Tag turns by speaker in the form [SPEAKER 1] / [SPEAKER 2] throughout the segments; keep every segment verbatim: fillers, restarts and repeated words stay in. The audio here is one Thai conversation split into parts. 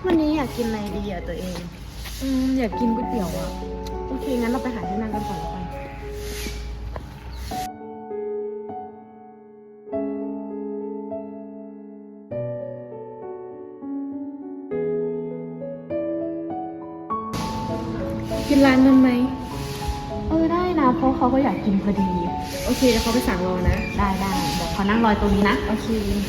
[SPEAKER 1] วันนี้อยากกินอะไรดีอ่ะตัวเอง
[SPEAKER 2] อืมอยากกินก๋วยเตี๋ยวอ่ะ
[SPEAKER 1] โอเคงั้นเราไปหาที่นั่งกันก่อนแล้วกัน
[SPEAKER 2] กินร้านนั้นไหม
[SPEAKER 1] เออได้นะเพราะเขาก็อยากกินพอดี
[SPEAKER 2] โอเคเดี๋ยวเขาไปสั่งรอนะ
[SPEAKER 1] ได้ได้เดี๋ยวขอนั่งรอตรงนี้นะ
[SPEAKER 2] โอเค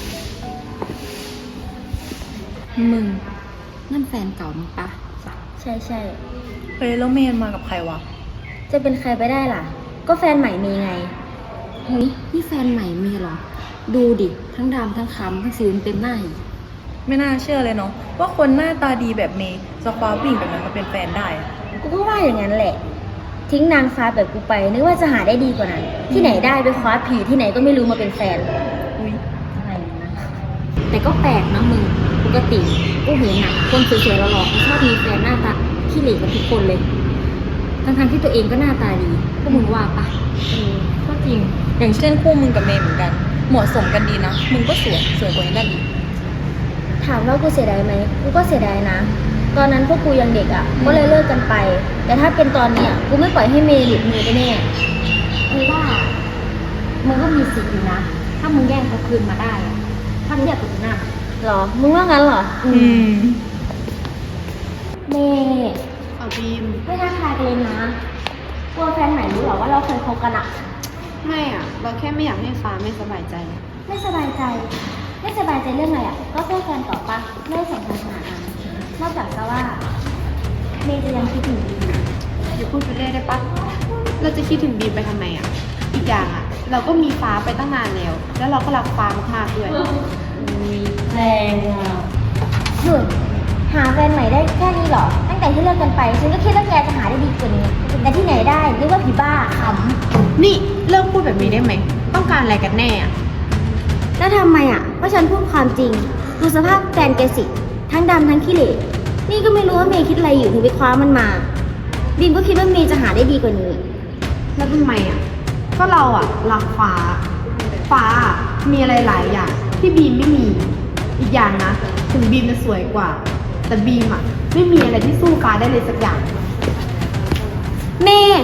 [SPEAKER 3] มึงนั่นแฟนเก่ามึงปะ
[SPEAKER 4] ใช่ใช่
[SPEAKER 2] เฮ้ยแล้วเมนมากับใครวะ
[SPEAKER 4] จะเป็นใครไปได้ล่ะ ก็แฟนใหม่มีไง
[SPEAKER 3] เฮ้ยนี่แฟนใหม่มีเหรอ ดูดิทั้งดำทั้งคำทั้งสิวเต็มหน้าอีก
[SPEAKER 2] ไม่น่าเชื่อเลยเนาะว่าคนหน้าตาดีแบบเมย์จะคว้าผู้หญิงแบบนั้นมาเป็นแฟนได้อะ
[SPEAKER 4] กูก็ว่าอย่างนั้นแหละ ทิ้งนางฟ้าแบบกูไปนึกว่าจะหาได้ดีกว่านั้น ที่ไหนได้ไปคว้าผีที่ไหนก็ไม่รู้มาเป็นแฟน
[SPEAKER 2] อุ้ย
[SPEAKER 4] อะไรนะ
[SPEAKER 3] แต่ก็แปลกนะมึงปกติกูเห็นอะคนสวยๆหล่อๆเขาชอบมีแฟนหน้าตาขี้เหร่กับทุกคนเลยทั้งๆที่ตัวเองก็หน้าตาดีพวกมึงว่าปะ
[SPEAKER 2] เออก็จริง อย่างเช่นคู่มึงกับเมย์เหมือนกัน เหมาะสมกันดีนะ มึงก็สวย สวยกว่านี้ได้อีก
[SPEAKER 4] ถามว่ากูเสียดายไหมกูก็เสียดายนะ ตอนนั้นพวกกูยังเด็กอ่ะ ก็เลยเลิกกันไป แต่ถ้าเป็นตอนเนี้ยกูไม่ปล่อยให้เมย์หลุดมือไปแน่
[SPEAKER 3] คือว่ามึงก็มีสิทธิ์อยู่นะ ถ้ามึงแย่งเขาคืนมาได้อะถ้าเทียบกับหน้า
[SPEAKER 4] หรอ มึงว่างั้นเหรอ
[SPEAKER 2] อืม
[SPEAKER 4] เมย์
[SPEAKER 1] เอาบีม
[SPEAKER 4] ไม่ท้าทายกันเลยนะกลัวแฟนใหม่รู้เหรอว่าเราเคยคบกันอะ
[SPEAKER 1] ไม่อ่ะ เราแค่ไม่อยากให้ฟ้าไม่สบายใจ
[SPEAKER 4] ไม่สบายใจ ไม่สบายใจเรื่องอะไรอะก็แค่แฟนต่อปะไม่ได้สำคัญขนาดนั้นนอกจากจะว่า เมย์จะยังคิดถึงอยู่
[SPEAKER 1] อย่าพูดไปเรื่อยได้ปะเราจะคิดถึงบีมไปทำไมอ่ะ อีกอย่างอ่ะ เราก็มีฟ้าไปตั้งนานแล้ว แล้วเราก็รักฟ้ามากๆด้วย
[SPEAKER 4] แรงอ่ะหยุดหาแฟนใหม่ได้แค่นี้เหรอ ตั้งแต่ที่เลิกกันไป ฉันก็คิดว่าแกจะหาได้ดีกว่านี้ แต่ที่ไหนได้นึกว่าผีบ้าข
[SPEAKER 1] นี่เลิกพูดแบบนี้ได้ไหม ต้องการอะไรกันแน่อ่ะ
[SPEAKER 4] ำแล้วทำไมอ่ะก็ฉันพูดความจริง ดูสภาพแฟนแกสิ ทั้งดำทั้งขี้เหร่นี่ก็ไม่รู้ว่าเมย์คิดอะไรอยู่ถึงไปคว้ามันมาบีมก็คิดว่าเมย์จะหาได้ดีกว่านี้
[SPEAKER 1] แล้วทำไมอ่ะ ก็เราอ่ะรักฟ้า ฟ้าอะมีอะไรหลายอย่างที่บีมไม่มี อีกอย่างนะ ถึงบีมจะสวยกว่า แต่บีมอ่ะไม่มีอะไรที่สู้ฟ้าได้เลยสักอย่าง
[SPEAKER 4] เมย์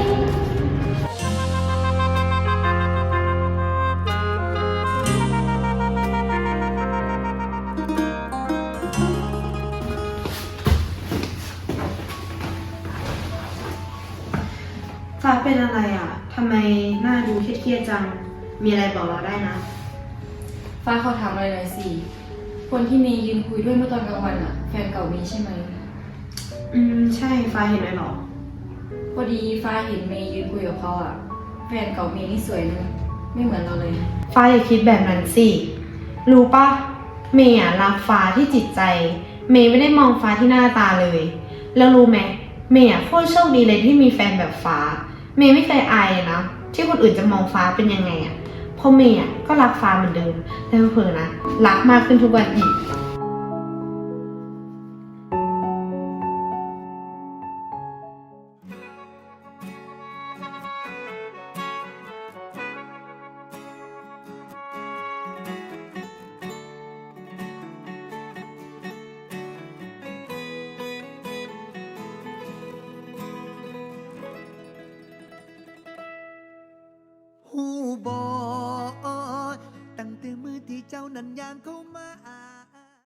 [SPEAKER 1] ฟ้าเป็นอะไรอ่ะ ทำไมหน้าดูเครียดๆจัง มีอะไรบอกเราได้นะ
[SPEAKER 2] ฟ้าเขาถามอะไรหน่อยสิ คนที่เมย์ยืนคุยด้วยเมื่อตอนกลางวันอะแฟนเก่าเมย์ใช่ไหม
[SPEAKER 1] อืม ใช่ฟ้าเห็นเลยเหรอ
[SPEAKER 2] พอดีฟ้าเห็นเมย์ยืนคุยกับเขาอะแฟนเก่าเมย์นี่สวยนะไม่เหมือนเราเลย
[SPEAKER 1] ฟ้าอย่าคิดแบบนั้นสิ รู้ปะเมย์อะรักฟ้าที่จิตใจ เมย์ไม่ได้มองฟ้าที่หน้าตาเลย แล้วรู้ไหมเมย์อะโคตรโชคดีเลยที่มีแฟนแบบฟ้า เมย์ไม่เคยอายเลยนะที่คนอื่นจะมองฟ้าเป็นยังไงอะเพราะเมย์อะก็รักฟ้าเหมือนเดิม แต่เผลอๆนะรักมากขึ้นทุกวันอีก
[SPEAKER 5] หูบอ